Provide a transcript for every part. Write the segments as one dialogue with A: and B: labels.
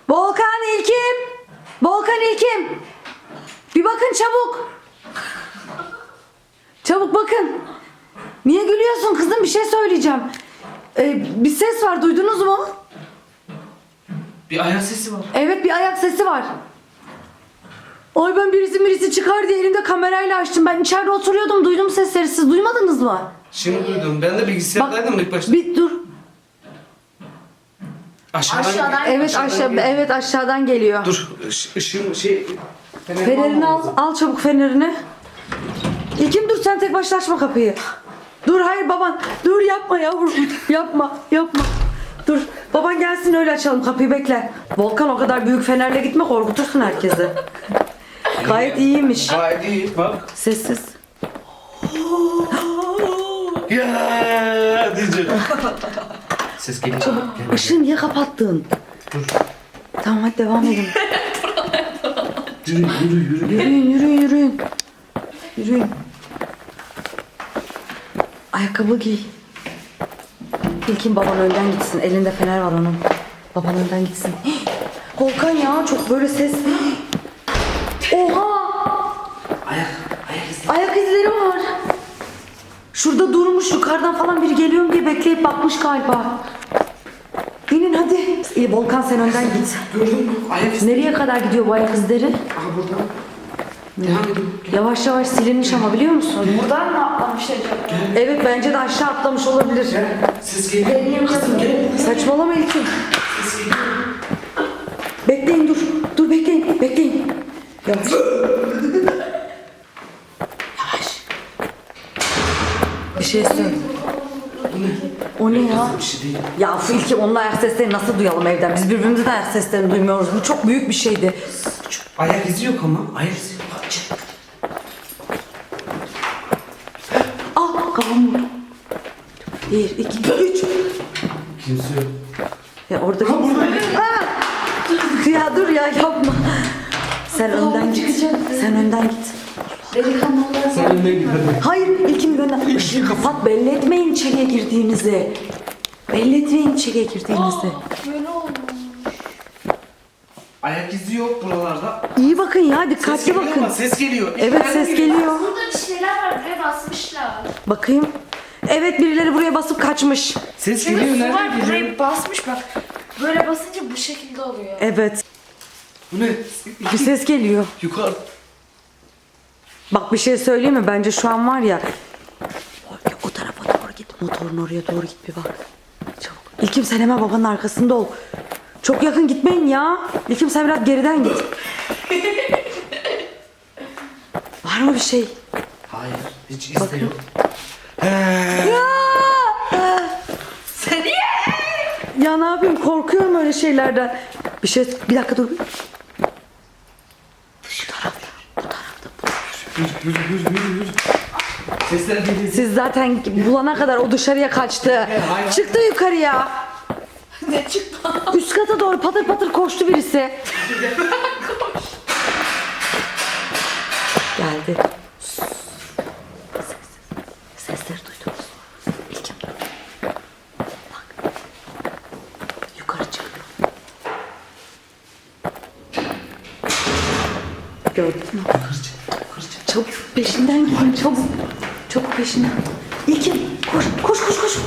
A: Volkan, İlkim. Volkan, İlkim. Bir bakın çabuk. Çabuk bakın. Niye gülüyorsun kızım? Bir şey söyleyeceğim. Bir ses var, duydunuz mu?
B: Bir ayak sesi var.
A: Evet, bir ayak sesi var. Ay ben birisi çıkar diye elimde kamerayla açtım. Ben içeride oturuyordum, duydum sesleri. Siz duymadınız mı?
B: Şimdi duydum. Ben de bilgisayardaydım ilk başta.
A: Bir dur.
B: Aşağıdan.
A: Evet evet aşağıdan geliyor.
B: Dur. Işığım
A: Fenerini al çabuk fenerini. İlkim dur, sen tek başına açma kapıyı. Dur, hayır baban. Dur, yapma yavrum. Yapma. Dur, baban gelsin öyle açalım kapıyı, bekle. Volkan, o kadar büyük fenerle gitme, korkutursun herkesi. Gayet iyiymiş.
B: Gayet iyi. Bak.
A: Sessiz.
B: Ya diyeceğim. Ses geliyor.
A: Çabuk. Işığı niye kapattın?
B: Dur.
A: Tamam hadi devam edin.
B: Yürü.
A: Yürüyün. Ayakkabı giy. İlkin baban önden gitsin. Elinde fener var onun. Baban önden gitsin. Volkan ya, çok böyle ses. Oha! Ayak izleri var. Şurada durmuş, yukarıdan falan biri geliyor mu diye bekleyip bakmış galiba. İnin hadi. İyi, Volkan sen önden git.
B: Gördün mü? Ayak izi.
A: Nereye kadar gidiyor bu ayak izleri?
B: Aha buradan. Devam edin.
A: Yavaş yavaş silinmiş ama, biliyor musun?
C: Buradan mı atlamış acaba?
A: Evet, bence de aşağı atlamış olabilir.
B: Ses geliyor. Kızım gel.
A: Saçmalama İlkin.
B: Ses geliyor.
A: Bekleyin dur. Dur bekleyin. Yavaş. Bir şey söyle. O ne ya?
B: Bir şey değil.
A: Ya İlkim, onun ayak seslerini nasıl duyalım evden? Biz birbirimizin ayak seslerini duymuyoruz. Bu çok büyük bir şeydi.
B: Ayak izi yok ama. Ayak izi yok.
A: Kafam vurdu. 1, 2, 3.
B: Kimse yok.
A: Ya orada
B: Ha burada.
A: Ya dur ya, yapma. Sen önden git. Sen önden git.
C: Delikanlılar
B: Sen önden git hadi.
A: Hayır, İlkim gönder. Işığı kapat, belli etmeyin içeriye girdiğinizi. Belli etmeyin içeriye girdiğinizi.
C: böyle olmuş.
B: Ayak izi yok buralarda.
A: İyi bakın ya,
B: Ses
A: dikkatli
B: geliyor
A: bakın.
B: ama ses geliyor.
A: Evet, ses geliyor.
C: Burada bir şeyler var, buraya basmışlar.
A: Bakayım. Evet, birileri buraya basıp kaçmış.
B: Ses
C: Şurada
B: geliyor.
C: su
B: Nereden
C: var,
B: geliyor?
C: burayı basmış bak. Böyle basınca bu şekilde oluyor.
A: Evet,
B: Bu ne?
A: bir ses geliyor.
B: Yukarı.
A: Bak bir şey söyleyeyim mi? Bence şu an var ya, o tarafa doğru git. Motorun oraya doğru git, bir bak. Çabuk. İlkim sen hemen babanın arkasında ol. Çok yakın gitmeyin ya. İlkim sen biraz geriden git. Var mı bir şey?
B: Hayır. Hiç iz de yok.
C: Seni
A: Ya ne yapayım, korkuyorum öyle şeylerden. Bir dakika dur.
B: Yürü. Sesler geliyor.
A: Siz zaten bulana kadar o dışarıya kaçtı.
B: hayır.
A: Çıktı yukarıya.
C: ne çıktı?
A: Üst kata doğru patır patır koştu birisi. Geldi. Sesleri duydunuz. İlkim dur. Bak. Yukarı çıkıyor. Gördün mü? Çabuk peşinden gidin, çabuk. Çabuk peşinden. İlkim koş.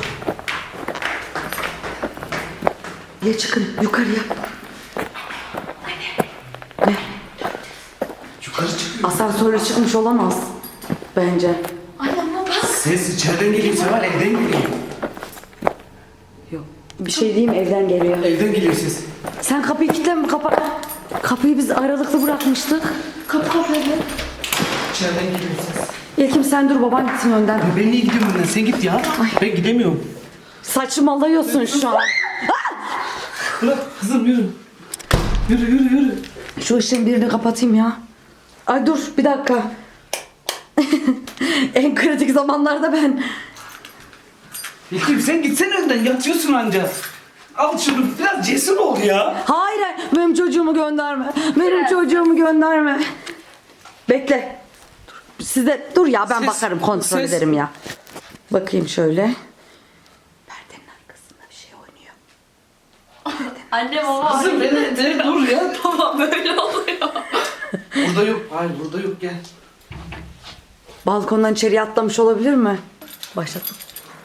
A: Ya çıkın yukarıya. Ne?
B: Yukarı çıkıyor.
A: Asansörle çıkmış olamaz. Bence.
C: Ay ama bak.
B: Ses içeriden geliyor. Seval evden geliyor.
A: Yok. Bir şey diyeyim mi? Evden geliyor.
B: Evden geliyor ses.
A: Sen kapıyı kilitleme, kapıyı biz aralıklı bırakmıştık.
C: Kapı kapalı.
B: İçeriden geliyor ses.
A: İlkim sen dur, baban gitsin önden.
B: Ben niye gidiyorum önden? Sen git ya. Ben gidemiyorum.
A: Saçmalıyorsun şu an.
B: Bırak kızım yürü. Yürü.
A: Şu ışığın birini kapatayım ya. Ay dur bir dakika. En kritik zamanlarda ben.
B: İlkim sen gitsene önden. Yatıyorsun anca. Al şunu. Biraz cesur ol ya.
A: Hayır, benim çocuğumu gönderme. Benim çocuğumu gönderme. Bekle. Dur ya, ben
B: Ses-
A: bakarım, kontrol
B: ses-
A: ederim ya. Bakayım şöyle. Perdenin arkasında bir şey oynuyor. Perdenin
C: Anne baba.
B: Kızım beni dur ya.
C: Baba böyle oluyor.
B: Burada yok. Hayır burada yok, gel.
A: Balkondan içeriye atlamış olabilir mi? Başlattım.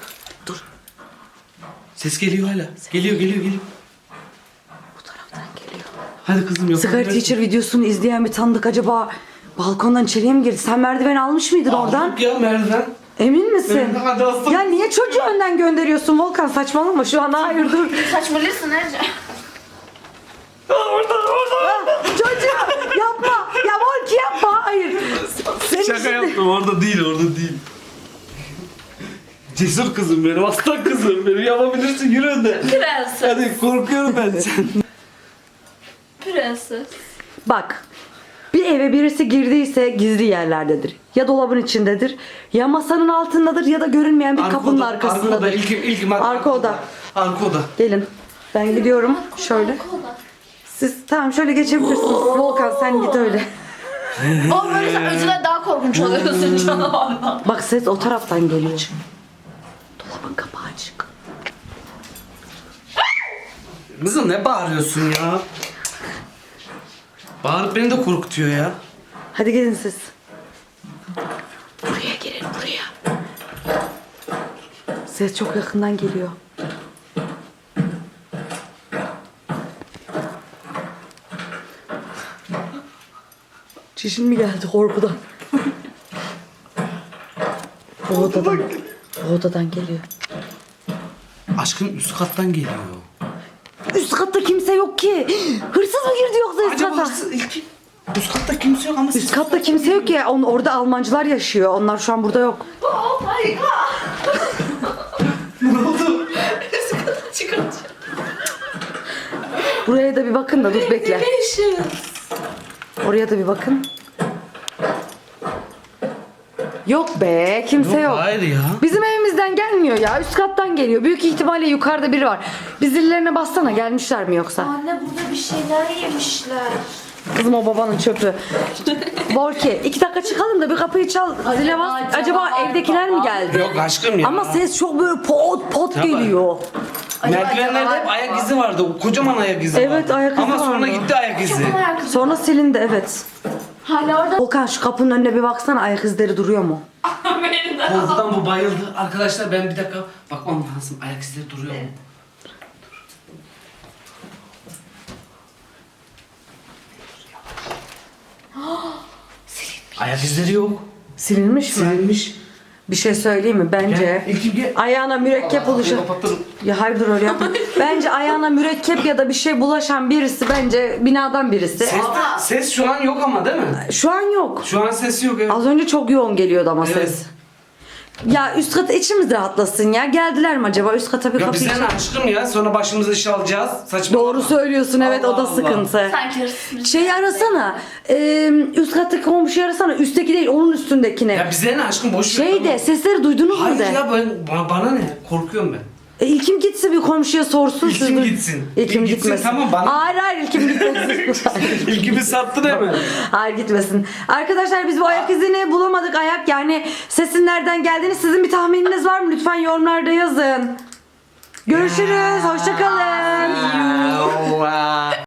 B: Ses geliyor hala. Geliyor.
A: Bu taraftan geliyor.
B: Hadi kızım yok.
A: Sigara Teacher videosunu izleyen bir tanıdık acaba balkondan içeriye mi girdi? Sen merdiven almış mıydın oradan?
B: Yok ya merdiven.
A: Emin misin?
B: Hadi aslan.
A: Ya niye çocuğu önden gönderiyorsun Volkan? Saçmalama şu an, hayır dur.
C: Saçmalıyorsun Ece.
B: Orada.
A: Ah, çocuğu yapma. Ya Volki yapma. Hayır. Senin
B: Şaka
A: şimdi-
B: yaptım, orada değil. Cesur kızım benim, aslan kızım benim, yapabilirsin, yürü önde.
C: Prenses.
B: Hadi korkuyorum ben sen.
C: Prenses.
A: Bak. Bir eve birisi girdiyse gizli yerlerdedir. Ya dolabın içindedir, ya masanın altındadır ya da görünmeyen bir kapının arkasındadır.
B: Arka oda, ilk
A: Arka oda.
B: Arka oda.
A: Gelin. Ben gidiyorum. Şöyle.
C: Kola.
A: Siz tamam şöyle geçebilirsiniz. Volkan sen git öyle.
C: O böyle sen önceden daha korkunç oluyorsun canavardan.
A: Bak ses o taraftan geliyor. Dolabın kapağı açık.
B: Kızım ne bağırıyorsun ya? Bağırıp beni de korkutuyor ya.
A: Hadi gelin siz. Buraya gelin buraya. Ses çok yakından geliyor. Çişin mi geldi korkudan? O odadan geliyor.
B: Aşkım üst kattan geliyor.
A: Üst katta kimse yok ki. Hırsız mı girdi yoksa üst
B: Acaba
A: kata?
B: hırsız üst katta kimse yok ama
A: Üst katta kimse yok ya. Orada Almancılar yaşıyor. Onlar şu an burada yok.
C: Oh my god.
B: Ne oldu?
C: Çıkartacağım.
A: Buraya da bir bakın da dur bekle.
C: Delicious.
A: Oraya da bir bakın. Yok be kimse yok.
B: Hayır ya.
A: Bizim evimizden gelmiyor ya. Üst kattan geliyor. Büyük ihtimalle yukarıda biri var. Bir zillerine bassana, gelmişler mi yoksa?
C: Anne burada bir şeyler yemişler.
A: Kızım o babanın çöpü. Volki 2 dakika çıkalım da bir kapıyı çal. Zile bas. Acaba
C: acaba
A: evdekiler mi
C: baba?
A: geldi?
B: Yok aşkım ya.
A: Ama ses çok böyle pot
B: Tabii.
A: geliyor.
B: Merdivenlerde hep ayak izi vardı. O kocaman ayak izi
A: Evet,
B: vardı.
A: ayak izi
B: Ama sonra
A: vardı.
B: gitti ayak izi.
C: Çok merak ediyorum.
A: Sonra silindi evet.
C: Hala orada.
A: Volkan şu kapının önüne bir baksana, ayak izleri duruyor mu?
C: Benim de.
B: Korkudan bu bayıldı. Arkadaşlar ben bir dakika bakmam lazım. Ayak izleri duruyor mu? Ayak izleri yok.
A: Silinmiş mi?
B: Silinmiş.
A: Bir şey söyleyeyim mi? Bence
B: Gel, İlkim gel.
A: ayağına mürekkep bulaşan...
B: Kapatırım.
A: Ya hayır dur öyle yapma. Bence ayağına mürekkep ya da bir şey bulaşan birisi, bence binadan birisi.
B: Ses şu an yok ama değil mi?
A: Şu an yok.
B: Şu an ses yok. Evet.
A: Az önce çok yoğun geliyordu ama
B: Evet.
A: ses. Ya üst kata içimiz rahatlasın ya. Geldiler mi acaba? Üst kata bir
B: Ya
A: kapıyı
B: bize ne aşkım ya? Sonra başımıza iş alacağız. Saçma.
A: Doğru söylüyorsun evet, o da
B: Allah Allah.
A: sıkıntı.
C: Sanki hırsız.
A: Şeyi arasana. Üst kattaki komşuyu arasana. Üstteki değil, onun üstündekine.
B: Ya bize ne aşkım? Boş ver.
A: Şey de, sesleri duydunuz mu
B: Hayır
A: de?
B: ya bana ne? Korkuyorum ben.
A: İlkim gitsin bir komşuya sorsun.
B: İlkim
A: siz de-
B: gitsin.
A: İlkim
B: Gitsin,
A: gitmesin.
B: tamam, bana-
A: Hayır İlkim gitmesin.
B: İlkimi sattın hemen.
A: Hayır gitmesin. Arkadaşlar biz bu ayak izini bulamadık. Ayak yani sesin nereden geldiğini, sizin bir tahmininiz var mı? Lütfen yorumlarda yazın. Görüşürüz. Hoşça kalın.
B: Allah.